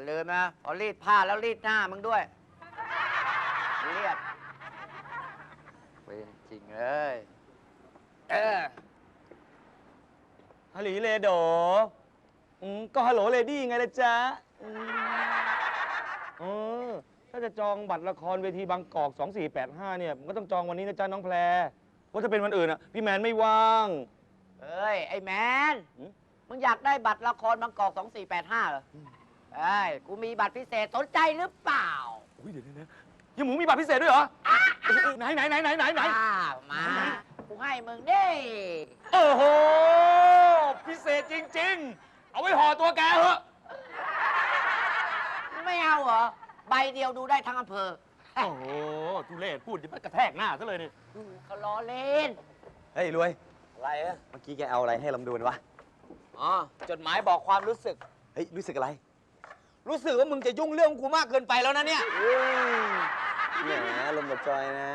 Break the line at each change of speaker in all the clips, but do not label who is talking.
อย่าลืมนะพอรีดผ้าแล้วรีดหน้ามึงด้วยเรียบเป็นจริงเลย
ฮัลโหลเลโดก็ฮัลโหลเลดี้ไงล่ะจ๊ะถ้าจะจองบัตรละครเวทีบางกอก2485เนี่ยมันก็ต้องจองวันนี้นะจ๊ะน้องแพรเพราะถ้าเป็นวันอื่นอ่ะพี่แมนไม่ว่าง
เอ้ยไอ้แมนมึงอยากได้บัตรละครบางกอก2485เหรอเอ้ยกูมีบัตรพิเศษสนใจหรือเปล่า
อุ้ยเดี๋ยวยังหมูมีบัตรพิเศษด้วยเหรอไหน
มากูให้มึงดิ
โอ้โหพิเศษจริงๆเอาไว้ห่อตัวแกเหอะ
ไม่เอาเหรอใบเดียวดูได้ทั้งอำเภอ
โอ้โหทุเรศพูดจะกระแทกหน้าซะเลยเนี่ย
เขาล้อเล่น
เฮ้ยรวย
อะไรอะ
เมื่อกี้แกเอาอะไรให้ลำดวนวะ
อ๋อจดหมายบอกความรู้สึก
เฮ้ยรู้สึกอะไร
รู้สึกว่ามึงจะยุ่งเรื่องกูมากเกินไปแล้วนะเนี่ย
แหมลมกับจอยนะ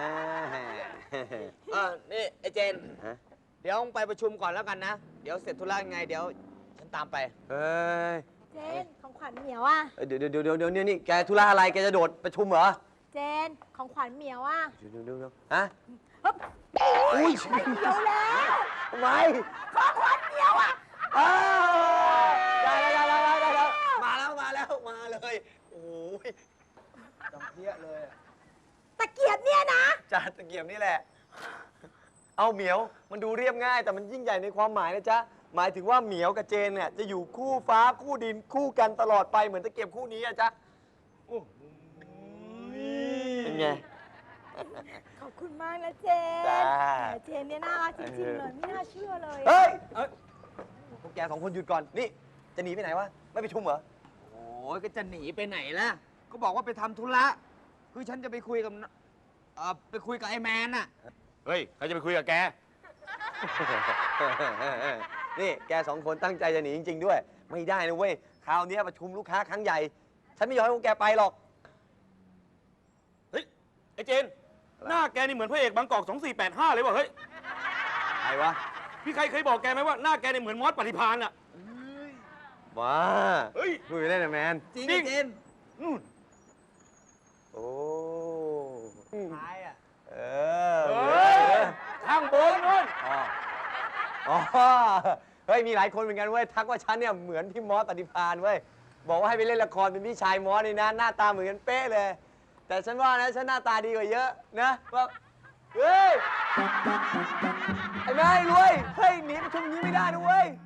นี่ไอ้เจนเดี๋ยวไปประชุมก่อนแล้วกันนะเดี๋ยวเสร็จธุระยังไงเดี๋ยวฉันตามไป
เฮ้ย
เจนของขวัญเหมียวอ่ะ
เดี๋ยวนี่แกธุระอะไรแกจะโดดประชุมเหรอ
เจนของขวัญเหมียวอ่ะ
เดี๋ยวฮะ
อุ้ยไม่เหมียวแล้ว
ทำไม
ของขวัญเหมียวอ่ะ
ได้มาเลยโอ้ยจำเพี้ยเลย
ตะเกียบเนี่ยนะ
จานตะเกียบนี่แหละเอาเหมียวมันดูเรียบง่ายแต่มันยิ่งใหญ่ในความหมายนะจ๊ะหมายถึงว่าเหมียวกับเจนเนี่ยจะอยู่คู่ฟ้าคู่ดินคู่กันตลอดไปเหมือนตะเกียบคู่นี้อะจ๊ะเป็นไง
ขอบคุณมากนะเจนเจนเนี่ยน่ารักจริงๆเลยไม่น่าเชื่อเลย
เฮ้ยพวกแก2 คนหยุดก่อนนี่จะหนีไปไหนวะไม่ไปชุมเหรอ
โอ้ยก็จะหนีไปไหนล่ะก็บอกว่าไปทำธุระคือฉันจะไปคุยกับไอ้แมนน่ะ
เฮ้ยใครจะไปคุยกับแก
นี่แก2 คนตั้งใจจะหนีจริงๆด้วยไม่ได้นะเว้ยคราวนี้ประชุมลูกค้าครั้งใหญ่ฉันไม่ยอมให้พวกแกไปหรอก
เฮ้ยไอ้เจนหน้าแกนี่เหมือนพระเอกบางกอก2485เลยว่ะเฮ้ย
ใครวะ
พี่ใครเคยบอกแกไหมว่าหน้าแกนี่เหมือนมอสปฏิภาณอะ
ว้า
เฮ้ย
พูดไปเล่นนะแมน
จริงเจน
โอ้
ท้ายอ่ะ
ข้างบนนู่น
เฮ้ยมีหลายคนเหมือนกันเว้ยทักว่าฉันเนี่ยเหมือนพี่มอสปฏิภาณเว้ยบอกว่าให้ไปเล่นละครเป็นพี่ชายมอสนี่นะหน้าตาเหมือนกันเป๊ะเลยแต่ฉันว่านะฉันหน้าตาดีกว่าเยอะนะว่าเฮ้ยไอ้แม่รวยเฮ้ยหนีประชุมนี้ไม่ได้นะเว้ย